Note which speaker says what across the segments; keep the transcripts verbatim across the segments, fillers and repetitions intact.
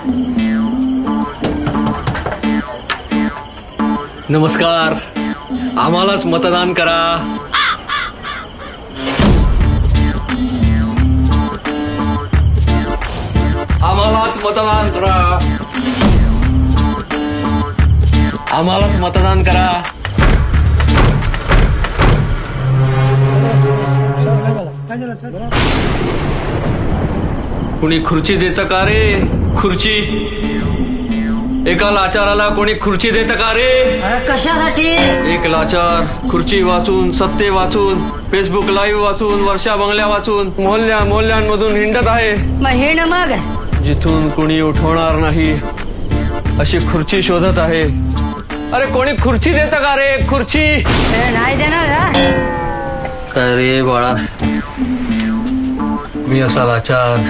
Speaker 1: नमस्कार, आम्हालाच मतदान करा. आम्हालाच मतदान करा. आम्हालाच मतदान करा. कुणी खुर्ची देतं का रे? खुर्ची एका लाचाराला कोणी खुर्ची देतं का रे?
Speaker 2: कशासाठी?
Speaker 1: एक लाचार खुर्ची वाचून, सत्ते वाचून, फेसबुक लाईव्ह वाचून, वर्षा बंगल्या वाचून, मोहल्ल्या मोहल्ल्यांमधून हिंडत आहे.
Speaker 2: मग हिंड मग
Speaker 1: जिथून कुणी उठवणार नाही अशी खुर्ची शोधत आहे. अरे कोणी खुर्ची देतं का रे? खुर्ची
Speaker 2: हे नाही देणार हा?
Speaker 1: काय रे बाळा, मी असा लाचार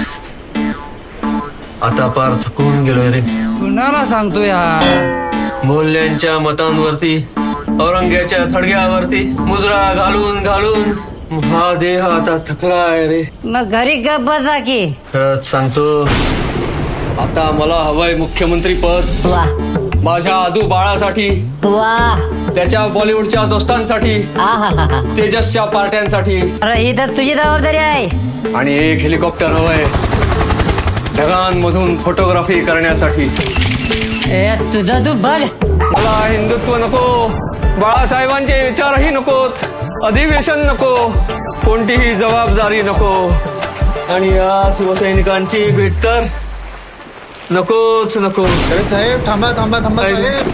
Speaker 1: आता पार थकून गेलोय रे.
Speaker 3: कुणाला सांगतो यार?
Speaker 1: मोल्यांच्या मतांवरती, औरंग्याच्या थडग्यावरती मुजरा घालून घालून हा देह आता थकलाय रे.
Speaker 2: मग घरी गप बसा की.
Speaker 1: खरंच सांगतो, आता मला हवंय मुख्यमंत्री पद.
Speaker 2: वा
Speaker 1: माझ्या आदू बाळासाठी,
Speaker 2: वा
Speaker 1: त्याच्या बॉलिवूडच्या दोस्तांसाठी,
Speaker 2: आहाहाहा.
Speaker 1: तेजसच्या पार्ट्यांसाठी,
Speaker 2: अरे ही तर तुझी जबाबदारी आहे.
Speaker 1: आणि एक हेलिकॉप्टर हवंय ढगांमधून फोटोग्राफी करण्यासाठी.
Speaker 2: ए तुझं तू बघ.
Speaker 1: मला हिंदुत्व नको, बाळासाहेबांचे विचारही नकोत, अधिवेशन नको, कोणतीही जबाबदारी नको, आणि या शिवसैनिकांची भेट तर नकोच नको.
Speaker 4: अरे साहेब थांबा थांबा थांबा साहेब.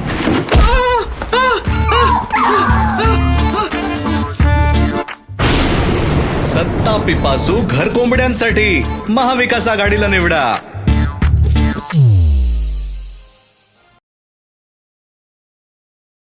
Speaker 5: सत्ता पिपासू घर कोंबड्यांसाठी महाविकास आघाडीला निवडा.